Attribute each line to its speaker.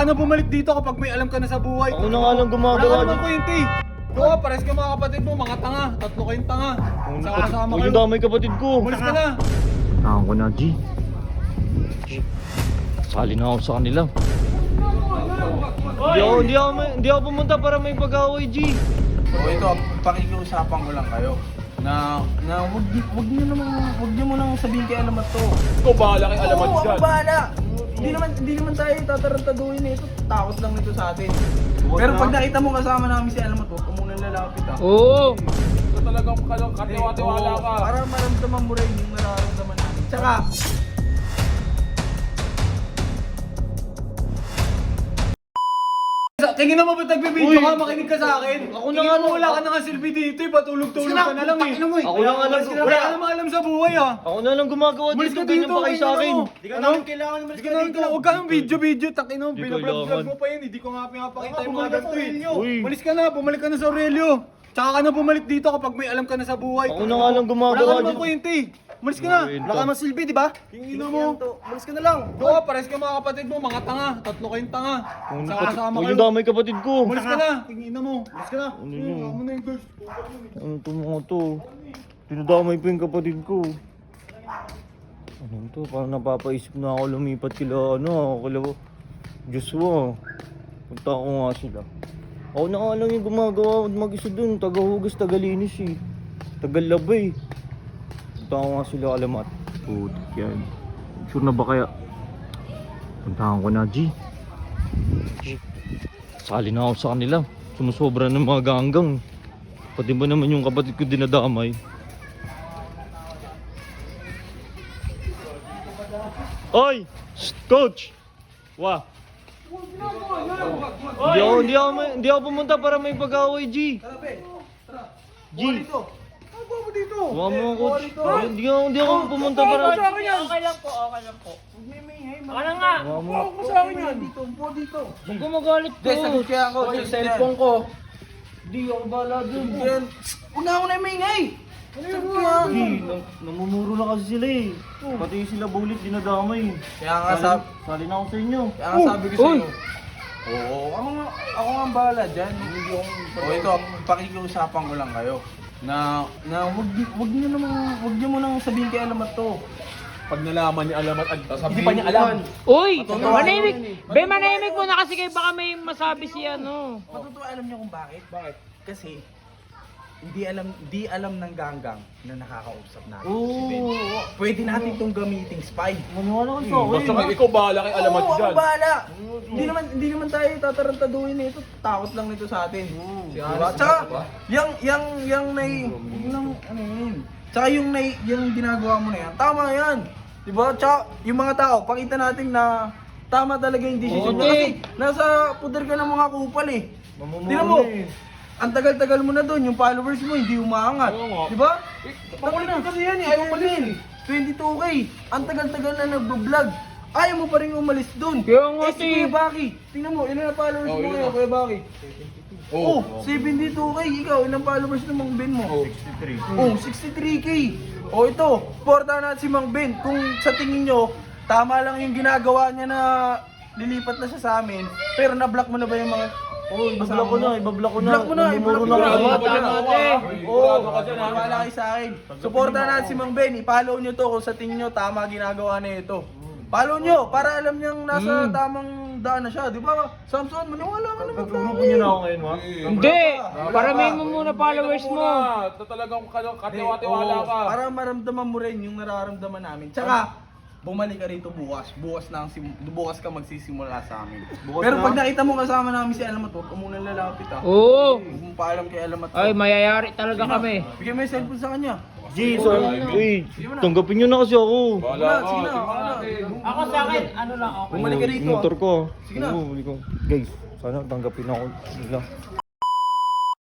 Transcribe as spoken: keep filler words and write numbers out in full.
Speaker 1: na bumalik dito kapag may alam ka na sa buhay.
Speaker 2: Ako na nga lang
Speaker 1: Wala
Speaker 2: gumagawa
Speaker 1: ka naman
Speaker 2: dyan.
Speaker 1: kwente. Oo, pares ka mga kapatid mo, mga tanga. Tatlo kayong tanga. Saka kasama
Speaker 2: Huwag
Speaker 1: kayo.
Speaker 2: yung damay kapatid ko.
Speaker 1: Umalis ka na.
Speaker 2: Tahan ko na, G. Sali na ako sa kanila. Hindi ako, hindi ako, hindi ako pumunta para may pag-away, G.
Speaker 3: O ito, pakikiusapan ko lang kayo na na wag wag niyo naman wag niyo mo nang sabihin kay Alamat to.
Speaker 1: Ikaw bahala kay Alamat
Speaker 3: Oo,
Speaker 1: dyan.
Speaker 3: ako bahala. Hindi naman hindi naman tayo tatarantaduhin nito. Takot lang nito sa atin. Pero pag nakita mo kasama namin si Alamat, huwag ka munang lalapit ah.
Speaker 4: Oo.
Speaker 1: Ito talagang katiwa-tiwala ka.
Speaker 3: Para maramdaman mo rin yung nararamdaman namin. Tsaka,
Speaker 1: Tingin mo ba't nagbibideo ka? Makinig ka sa akin.
Speaker 2: Ako na
Speaker 1: Tingin
Speaker 2: nga
Speaker 1: mo
Speaker 2: lang.
Speaker 1: wala ka na nga silbi dito eh. Patulog-tulog ka na lang eh.
Speaker 2: Ako na nga lang.
Speaker 1: Wala ka namang alam sa buhay ah.
Speaker 2: Ako na lang gumagawa
Speaker 1: Umalis
Speaker 2: dito.
Speaker 1: ka
Speaker 2: Ganyan
Speaker 1: dito,
Speaker 2: pa kayo sa
Speaker 1: kayo
Speaker 2: akin.
Speaker 1: ano?
Speaker 3: di ka namin kailangan umalis
Speaker 1: Hindi
Speaker 3: ka
Speaker 1: ka
Speaker 3: dito.
Speaker 1: na, huwag ka ng video-video. Takin mo,
Speaker 2: Di
Speaker 1: binablog
Speaker 2: kailangan.
Speaker 1: mo pa yun. Hindi ko nga pinapakita yung mga
Speaker 3: bumalik ka
Speaker 1: ganito
Speaker 3: sa
Speaker 1: eh.
Speaker 3: Aurelio.
Speaker 2: Uy.
Speaker 1: Umalis ka na, bumalik ka na sa Aurelio. Tsaka ka na bumalik dito kapag may alam ka na sa buhay.
Speaker 2: Ako na nga lang
Speaker 1: Wala
Speaker 2: gumagawa
Speaker 1: ka namang
Speaker 2: dito.
Speaker 1: kwente eh. Umalis ka na.
Speaker 2: Kwenta.
Speaker 1: Wala ka namang silbi, di ba? Tingin mo.
Speaker 3: Umalis ka na lang.
Speaker 1: Oo, pares ka mga kapatid mo, mga tanga. Tatlo kayong tanga. Saka kasama
Speaker 2: Huwag
Speaker 1: kayo.
Speaker 2: yung damay kapatid ko.
Speaker 1: Umalis ka na. Tingin mo. Umalis ka na.
Speaker 2: Ano
Speaker 1: Hmm,
Speaker 2: yun?
Speaker 1: Kamo na yung girls.
Speaker 2: Ano to mga to? Tinadamay pa yung kapatid ko. Ano to? Parang napapaisip na ako lumipat kila ano, kila Joshua. Punta ko nga sila. Ako na nga lang yung gumagawa mag-isa dun. Tagahugas, tagalinis eh. Tagalabay. Punta ko nga sila Alamat. Putik yan. Sure na ba kaya? Puntahan ko na, G. Sali na ako sa kanila. Sumusobra ng mga ganggang. Pati ba naman yung kapatid ko dinadamay? Oy! Shh, coach! Wah! Hindi ako, hindi ako, hindi ako pumunta para may pag-away, G.
Speaker 3: Tara, be. Tara.
Speaker 2: G.
Speaker 3: Buwan dito. Ano ba mo dito?
Speaker 2: Huwag mo,
Speaker 3: Eh,
Speaker 2: coach.
Speaker 3: buwan dito.
Speaker 2: Hindi ako, hindi ako pumunta para...
Speaker 4: Okay lang po, okay lang po.
Speaker 3: Huwag may may, hey,
Speaker 4: Ano nga?
Speaker 2: Huwag mo.
Speaker 3: Huwag mo sa akin yan. Dito, upo dito.
Speaker 4: Huwag ko magalit
Speaker 3: Hindi, sagot
Speaker 4: po.
Speaker 3: kaya ako. Yung cellphone ko.
Speaker 2: Hindi ako bala dun.
Speaker 3: Yan. Huwag na ako na may ngay. Sagot ko yan.
Speaker 2: G, nam- namumuro na kasi sila eh. Pati sila bulit dinadamay.
Speaker 3: Kaya nga sab
Speaker 2: Sali na ako sa inyo.
Speaker 3: kaya nga sabi ko sa'yo. Oo, ako nga, ako nga ang bahala dyan. Hindi akong... O ito, pakikiusapan ko lang kayo. Na, na wag, wag niyo naman, wag niyo mo nang sabihin kay Alamat to.
Speaker 1: Pag nalaman ni Alamat at hindi pa niya alam.
Speaker 4: Uy,
Speaker 3: Matutuwa
Speaker 4: manahimik.
Speaker 3: ako yan eh.
Speaker 4: Be, manahimik mo na kasi kayo baka may masabi si ano.
Speaker 3: Matutuwa alam niyo kung bakit? Bakit? Kasi hindi alam hindi alam ng ganggang na nakakausap natin.
Speaker 2: Oo.
Speaker 3: Pwede natin itong gamiting spy.
Speaker 2: Maniwala ka sa akin.
Speaker 1: Basta kayo, ikaw bahala kay Alamat
Speaker 3: Oo,
Speaker 1: dyan.
Speaker 3: ako bahala. Hindi naman hindi naman tayo tatarantaduhin nito. Takot lang nito sa atin. Diba? Tsaka yung yung yung nai yung ano yun. Tsaka yung nai yung ginagawa mo na yan. Tama yan. Diba? Tsaka yung mga tao, pakita natin na tama talaga yung decision mo. Kasi nasa puder ka ng mga kupal eh.
Speaker 2: Mamumuro
Speaker 3: Tingnan mo.
Speaker 2: na eh.
Speaker 3: Ang tagal-tagal mo na doon, yung followers mo hindi umaangat.
Speaker 1: Oo nga.
Speaker 3: Di ba? Pakulit na kasi yan eh, ayaw pa rin. twenty-two K. Ang tagal-tagal na nagbo-vlog. Ayaw mo pa rin umalis doon.
Speaker 4: Kaya nga,
Speaker 3: Eh si Kuya Baki, tingnan mo, ilan ang followers
Speaker 1: Oh,
Speaker 3: mo
Speaker 1: ilan
Speaker 3: ngayon,
Speaker 1: na?
Speaker 3: Kuya Baki?
Speaker 1: Oo.
Speaker 3: Oh, seventy-two K. Ikaw, ilang followers ng Mang Ben mo?
Speaker 2: sixty-three.
Speaker 3: Oh, sixty-three K. Oh, ito, porta na si Mang Ben. Kung sa tingin nyo, tama lang yung ginagawa niya na lilipat na siya sa amin, pero na-block mo na ba yung mga...
Speaker 2: Oo, ibablock ko na, ibablock ko na.
Speaker 3: Block mo na,
Speaker 2: Namumuro
Speaker 3: i-block
Speaker 2: na
Speaker 3: mo na.
Speaker 2: ako.
Speaker 1: Tama, tama, te.
Speaker 3: Oo,
Speaker 1: Sigurado ka dyan, ha?
Speaker 3: wala kayo sa akin. Suporta natin si Mang Ben. I-follow nyo to kung sa tingin nyo tama ginagawa na ito. Follow nyo para alam niyang nasa tamang daan na siya. Di ba? Samson, maniwala ka naman sa
Speaker 2: Grupo
Speaker 3: akin.
Speaker 2: niyo na ako ngayon, ha?
Speaker 4: Hindi, paramihin mo muna followers mo.
Speaker 1: Ito talagang katiwa-tiwala ka.
Speaker 3: Para maramdaman mo rin yung nararamdaman namin. Tsaka, bumalik ka rito bukas. Bukas na ang sim- bukas ka magsisimula sa amin.
Speaker 2: Bukas
Speaker 3: Pero
Speaker 2: na?
Speaker 3: pag nakita mo kasama namin si Alamat, huwag ka muna lalapit ah.
Speaker 4: Oo.
Speaker 3: Huwag mo paalam kay Alamat.
Speaker 4: Ay, mayayari talaga kami.
Speaker 3: Bigyan mo yung cellphone sa kanya.
Speaker 2: G, so, uy, tanggapin niyo na kasi ako.
Speaker 1: Bahala
Speaker 3: Sige na,
Speaker 1: ka.
Speaker 3: sige na,
Speaker 1: tingnan
Speaker 3: ako na.
Speaker 1: natin.
Speaker 4: Ako sa akin, ano lang ako.
Speaker 3: Bumalik ka rito.
Speaker 2: Motor ko.
Speaker 3: Sige na.
Speaker 2: Oo, bumalik ko. Guys, sana tanggapin ako nila.